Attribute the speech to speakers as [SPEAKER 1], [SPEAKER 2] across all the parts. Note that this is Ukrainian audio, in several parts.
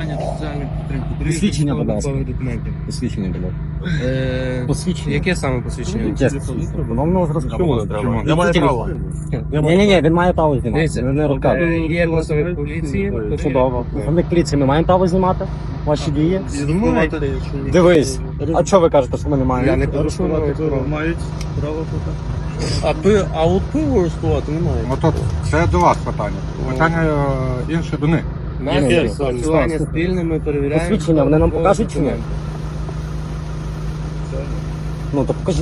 [SPEAKER 1] нарахування соціальної підтримки.
[SPEAKER 2] Посвідчення, будь ласка.
[SPEAKER 1] Документів.
[SPEAKER 2] Посвідчення, будь ласка. Посвідчення.
[SPEAKER 1] Яке саме посвідчення?
[SPEAKER 2] Яке? Воно зразу.
[SPEAKER 3] Я маю право.
[SPEAKER 2] Ні, він має право знімати.
[SPEAKER 1] Дивіться,
[SPEAKER 2] Не розказує.
[SPEAKER 1] є представник поліції.
[SPEAKER 2] Чудово. Представник поліції, ми маємо право знімати ваші дії?
[SPEAKER 3] Знімайте.
[SPEAKER 2] Дивись. А що ви кажете, що ми не
[SPEAKER 1] Я
[SPEAKER 2] маємо?
[SPEAKER 1] не порушую.
[SPEAKER 3] Мають право тут. А от пиво арестувати немає.
[SPEAKER 4] Отут, це до вас питання. Питання інше до них.
[SPEAKER 1] Нас посилання спільне, ми перевіряємо.
[SPEAKER 2] Посвідчення вони нам покажуть чи ні? Ну, то покажіть.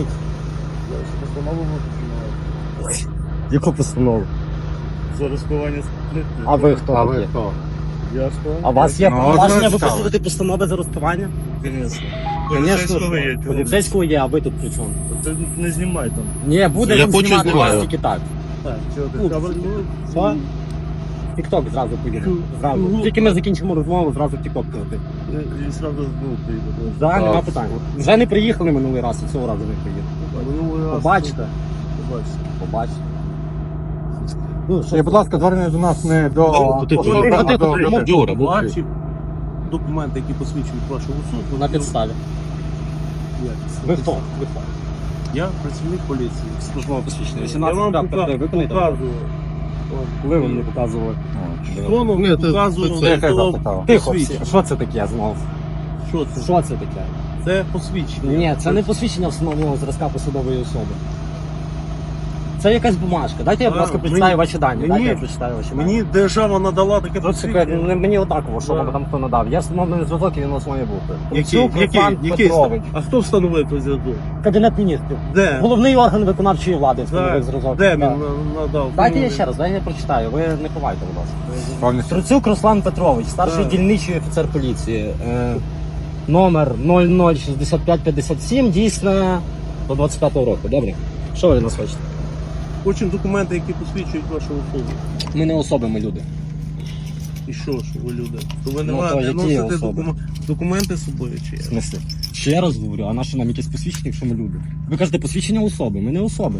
[SPEAKER 2] Яку постанову?
[SPEAKER 3] За розпивання спиртних.
[SPEAKER 2] А ви хто?
[SPEAKER 4] А ви хто?
[SPEAKER 3] Я хто?
[SPEAKER 2] А у вас є
[SPEAKER 4] Ну,
[SPEAKER 2] повноваження
[SPEAKER 4] от ви
[SPEAKER 2] виписувати постанови за розпивання?
[SPEAKER 3] Поліцейського є.
[SPEAKER 2] Поліцейського є, а ви тут при чому?
[SPEAKER 3] Ти не знімай там.
[SPEAKER 2] Ні, буде
[SPEAKER 3] Я
[SPEAKER 2] він
[SPEAKER 3] хочу
[SPEAKER 2] знімати
[SPEAKER 3] знімаю.
[SPEAKER 2] вас тільки так.
[SPEAKER 3] Так, чого ти?
[SPEAKER 2] Що? Тік-ток зразу поїде. Зразу. Тільки ми закінчимо розмову, зразу тік-ток прийти.
[SPEAKER 3] І сразу поїде.
[SPEAKER 2] Так, нема питань. Вже не приїхали минулий раз, і цього разу не приїдуть. Побачите. Побачите. Ну,
[SPEAKER 4] І, будь ласка, звернення до нас не до...
[SPEAKER 3] Юра, ваші документи, які посвідчують вашу особу.
[SPEAKER 2] на підставі. Ви хто? Ви хто?
[SPEAKER 3] Я працівник поліції.
[SPEAKER 2] Службове посвідчення.
[SPEAKER 3] Я
[SPEAKER 2] 18
[SPEAKER 3] вам
[SPEAKER 2] років виконуєте?
[SPEAKER 3] показую.
[SPEAKER 2] Коли ви мені показували?
[SPEAKER 3] Воно показую.
[SPEAKER 2] Тихо всі. Що це таке знову?
[SPEAKER 3] Що це?
[SPEAKER 2] Що це таке?
[SPEAKER 3] Це посвідчення.
[SPEAKER 2] Ні, це не посвідчення встановленого зразка посадової особи. Це якась бумажка. Дайте я, будь ласка, прочитаю ваші дані. Дайте я прочитаю ваші дані.
[SPEAKER 3] Мені держава надала таке
[SPEAKER 2] Ну, це
[SPEAKER 3] посвідчення.
[SPEAKER 2] мені однаково, що
[SPEAKER 3] Да.
[SPEAKER 2] вам там хто надав. Я встановлений зв'язок і він у вас має бути.
[SPEAKER 3] Який?
[SPEAKER 2] Процюк Руслан Петрович.
[SPEAKER 3] А хто встановив той зв'язок?
[SPEAKER 2] Кабінет міністрів.
[SPEAKER 3] Де?
[SPEAKER 2] Головний орган виконавчої влади встановив зразок.
[SPEAKER 3] Де
[SPEAKER 2] Да.
[SPEAKER 3] він надав?
[SPEAKER 2] Дайте я ще раз, дайте я прочитаю. Ви не ховайте, будь ласка.
[SPEAKER 4] Повністю.
[SPEAKER 2] Труцюк Руслан Петрович, старший
[SPEAKER 3] Так.
[SPEAKER 2] дільничий офіцер поліції. Номер 006557, дійсне до 25-го року. Добре? Що ви від нас хочете?
[SPEAKER 3] Хочемо документи, які посвідчують вашу особу.
[SPEAKER 2] Ми не особи, ми люди.
[SPEAKER 3] І що ж ви люди? То ви не
[SPEAKER 2] Ну, то
[SPEAKER 3] маєте
[SPEAKER 2] які
[SPEAKER 3] носити
[SPEAKER 2] особи?
[SPEAKER 3] документи з собою чи як?
[SPEAKER 2] В смислі? Ще раз говорю, а наше нам якесь посвідчення, якщо ми люди? Ви кажете, посвідчення особи, ми не особи.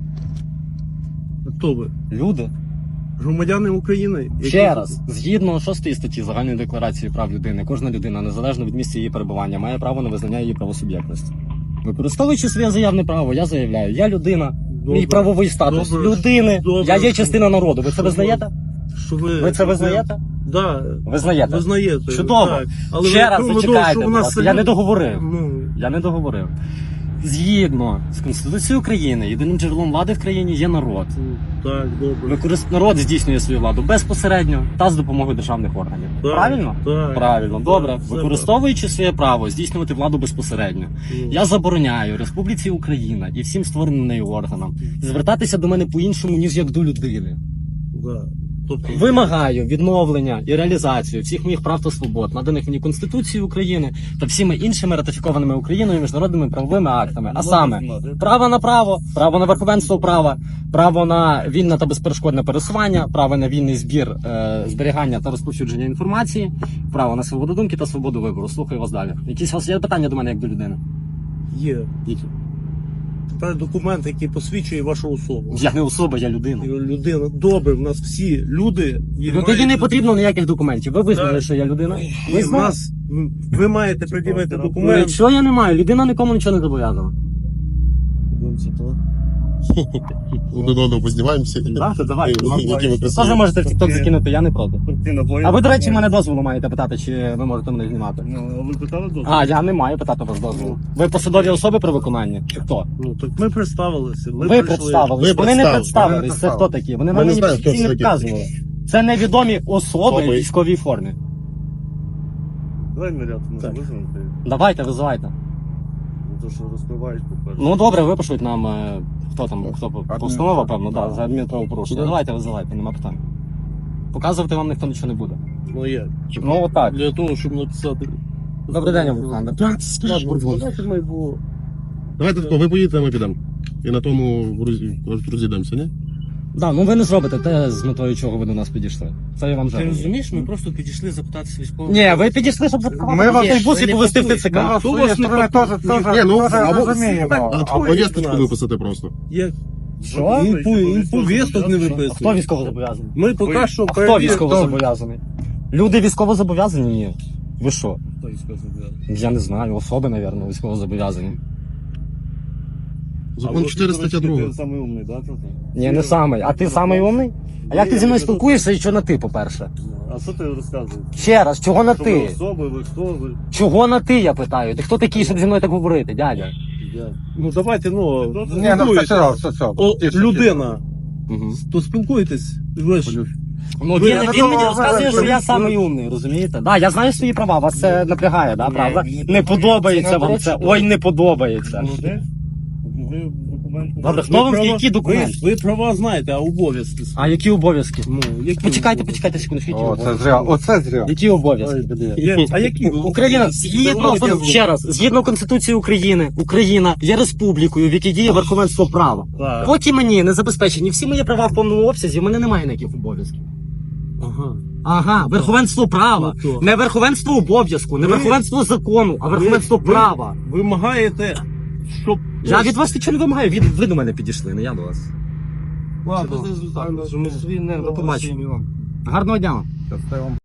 [SPEAKER 3] Хто ви?
[SPEAKER 2] Люди.
[SPEAKER 3] Громадяни України? Які-
[SPEAKER 2] Ще раз, згідно 6 статті Загальної декларації прав людини, кожна людина, незалежно від місця її перебування, має право на визнання її правосуб'єктності. Використовуючи своє заявне право, я заявляю, я людина,
[SPEAKER 3] Добре.
[SPEAKER 2] мій правовий статус
[SPEAKER 3] Добре.
[SPEAKER 2] людини,
[SPEAKER 3] Добре.
[SPEAKER 2] я є частина народу. Ви це
[SPEAKER 3] Що
[SPEAKER 2] визнаєте?
[SPEAKER 3] Що ви...
[SPEAKER 2] Ви це визнаєте?
[SPEAKER 3] Да.
[SPEAKER 2] Визнаєте?
[SPEAKER 3] Визнаєте.
[SPEAKER 2] Чудово.
[SPEAKER 3] Так. Але
[SPEAKER 2] Ще
[SPEAKER 3] ви
[SPEAKER 2] раз
[SPEAKER 3] думаєте,
[SPEAKER 2] зачекайте,
[SPEAKER 3] що
[SPEAKER 2] будь
[SPEAKER 3] у нас
[SPEAKER 2] ласка. Я не договорив.
[SPEAKER 3] Ну,
[SPEAKER 2] Я не договорив. Згідно з Конституцією України, єдиним джерелом влади в країні є народ.
[SPEAKER 3] так, добре.
[SPEAKER 2] Народ здійснює свою владу безпосередньо та з допомогою державних органів.
[SPEAKER 3] Так,
[SPEAKER 2] Правильно?
[SPEAKER 3] Так.
[SPEAKER 2] Правильно, добре.
[SPEAKER 3] Все
[SPEAKER 2] Використовуючи своє право здійснювати владу безпосередньо,
[SPEAKER 3] Ну,
[SPEAKER 2] я забороняю Республіці Україна і всім створеним нею органам звертатися до мене по-іншому, ніж як до людини.
[SPEAKER 3] да. Тобто,
[SPEAKER 2] Вимагаю відновлення і реалізацію всіх моїх прав та свобод, наданих мені Конституцією України та всіми іншими ратифікованими Україною міжнародними правовими актами. А саме право на право, право на верховенство права, право на вільне та безперешкодне пересування, право на вільний збір, зберігання та розповсюдження інформації, право на свободу думки та свободу вибору. Слухаю вас далі. Якісь у вас є питання до мене як до людини?
[SPEAKER 3] є.
[SPEAKER 2] Які?
[SPEAKER 3] Та документ, який посвідчує вашу особу.
[SPEAKER 2] Я не особа, я людина.
[SPEAKER 3] Людина. Добре, в нас всі люди.
[SPEAKER 2] Ну тоді не потрібно ніяких документів. Ви визнали,
[SPEAKER 3] Так.
[SPEAKER 2] що я людина?
[SPEAKER 3] Ви,
[SPEAKER 2] Визнали?
[SPEAKER 3] ви маєте пред'явити
[SPEAKER 2] Ну,
[SPEAKER 3] документ.
[SPEAKER 2] якщо я не маю, людина нікому нічого не зобов'язана.
[SPEAKER 5] Один одного познімаємося.
[SPEAKER 2] Так, то давай.
[SPEAKER 5] Які ви
[SPEAKER 2] Теж
[SPEAKER 5] красиві.
[SPEAKER 2] можете в TikTok закинути, я не проти. А ви, до речі, мене дозволу маєте питати, чи ви можете мене знімати?
[SPEAKER 3] Ну, ви питали дозвіл?
[SPEAKER 2] А, я не маю питати вас дозволу. Ви посадові особи при виконанні? Чи хто?
[SPEAKER 3] Ну, так ми представилися. Ми
[SPEAKER 2] Ви
[SPEAKER 3] прийшли.
[SPEAKER 2] представились.
[SPEAKER 5] Ви
[SPEAKER 2] Вони не
[SPEAKER 5] представили.
[SPEAKER 2] представились. Це хто такі? Вони
[SPEAKER 5] Ми
[SPEAKER 2] на
[SPEAKER 5] не
[SPEAKER 2] мені
[SPEAKER 5] знаємо, хто
[SPEAKER 2] всі
[SPEAKER 5] це
[SPEAKER 2] не
[SPEAKER 5] такі.
[SPEAKER 2] вказували. Це невідомі особи в
[SPEAKER 5] Особи.
[SPEAKER 2] військовій формі.
[SPEAKER 3] Давай наряд
[SPEAKER 2] Так.
[SPEAKER 3] визвемо.
[SPEAKER 2] Давайте, визивайте.
[SPEAKER 3] То, що розпиваєш, по-перше.
[SPEAKER 2] Ну добре, випишуть нам, хто там, постанова, певно, да, за адмінправопорушення. Давайте, визивайте, нема питань. Показувати вам ніхто нічого не буде.
[SPEAKER 3] Ну як?
[SPEAKER 2] Ну отак.
[SPEAKER 3] Для того, щоб написати.
[SPEAKER 2] Добрий день, Олександр.
[SPEAKER 3] Давайте ми його...
[SPEAKER 5] Давайте тако, ви поїдете, а ми підемо. І на тому розійдемося, ні?
[SPEAKER 2] Да, ну ви не зробите те, з метою чого ви до нас підійшли. Це я вам
[SPEAKER 1] Ти
[SPEAKER 2] жаль.
[SPEAKER 1] розумієш, ми просто підійшли запитатися військового.
[SPEAKER 2] Ні, ви підійшли, щоб запхати
[SPEAKER 4] Ми вас-
[SPEAKER 2] автобус і повезти в ТЦК.
[SPEAKER 4] Ми вас з своєї сторони теж
[SPEAKER 5] Ні, ну,
[SPEAKER 4] розуміємо.
[SPEAKER 5] А повісточку виписати просто.
[SPEAKER 3] Як?
[SPEAKER 2] Що?
[SPEAKER 3] Він повісток не
[SPEAKER 2] Хто
[SPEAKER 3] виписує.
[SPEAKER 2] військово зобов'язаний?
[SPEAKER 3] Ми поки що
[SPEAKER 2] Хто військово зобов'язаний? Люди військово зобов'язані? Ні. Ви що?
[SPEAKER 3] Хто їй сказав?
[SPEAKER 2] Я не знаю, особи, мабуть, військово зобов'язані.
[SPEAKER 5] Закон 4 стаття 2.
[SPEAKER 3] Ти самий умний, да, тут?
[SPEAKER 2] Ні, не самий. А ти самий умний? А як ти зі мною спілкуєшся і що на ти, по-перше?
[SPEAKER 3] А що ти розказуєш?
[SPEAKER 2] Ще раз, чого на
[SPEAKER 3] Що ви
[SPEAKER 2] ти?
[SPEAKER 3] особи, ви хто ви?
[SPEAKER 2] Чого на ти, я питаю? Ти хто такий, щоб зі мною так говорити, дядя?
[SPEAKER 3] Я.
[SPEAKER 6] Ну давайте, ну,
[SPEAKER 4] Ні, ну
[SPEAKER 6] спілкуйтесь.
[SPEAKER 4] все.
[SPEAKER 6] О, людина,
[SPEAKER 2] Угу.
[SPEAKER 6] то спілкуйтесь. Ви ж
[SPEAKER 2] Ну,
[SPEAKER 6] Ви-
[SPEAKER 2] він мені розказує, що я самий умний, розумієте? Да, я знаю свої права, вас це напрягає, да, правда? Не подобається вам це. Ой, не подобається.
[SPEAKER 3] Ви документи.
[SPEAKER 2] Добре, хто вам які документи?
[SPEAKER 6] ви права знаєте, а обов'язки.
[SPEAKER 2] А які обов'язки?
[SPEAKER 6] Ну, які
[SPEAKER 2] Почекайте,
[SPEAKER 6] обов'язки?
[SPEAKER 2] почекайте секунду, які
[SPEAKER 4] О, це
[SPEAKER 2] обов'язки?
[SPEAKER 4] зря. Оце зря.
[SPEAKER 2] Які обов'язки?
[SPEAKER 6] А які?
[SPEAKER 2] Україна, ще раз, згідно Конституції України, Україна є республікою, в якій діє верховенство права.
[SPEAKER 6] Так.
[SPEAKER 2] Поки мені не забезпечені всі мої права в повному обсязі, в мене немає ніяких обов'язків.
[SPEAKER 6] Ага.
[SPEAKER 2] Ага, верховенство права.
[SPEAKER 6] Ну, то.
[SPEAKER 2] Не верховенство обов'язку, не
[SPEAKER 6] Ви-
[SPEAKER 2] верховенство закону, а верховенство
[SPEAKER 6] ви-
[SPEAKER 2] права.
[SPEAKER 6] Вимагаєте, щоб...
[SPEAKER 2] Я від вас нічого не вимагаю, ви до мене підійшли, не я до вас.
[SPEAKER 6] Ладно.
[SPEAKER 1] Що ми свій не
[SPEAKER 2] До побачення. Гарного дня вам.
[SPEAKER 4] Це вам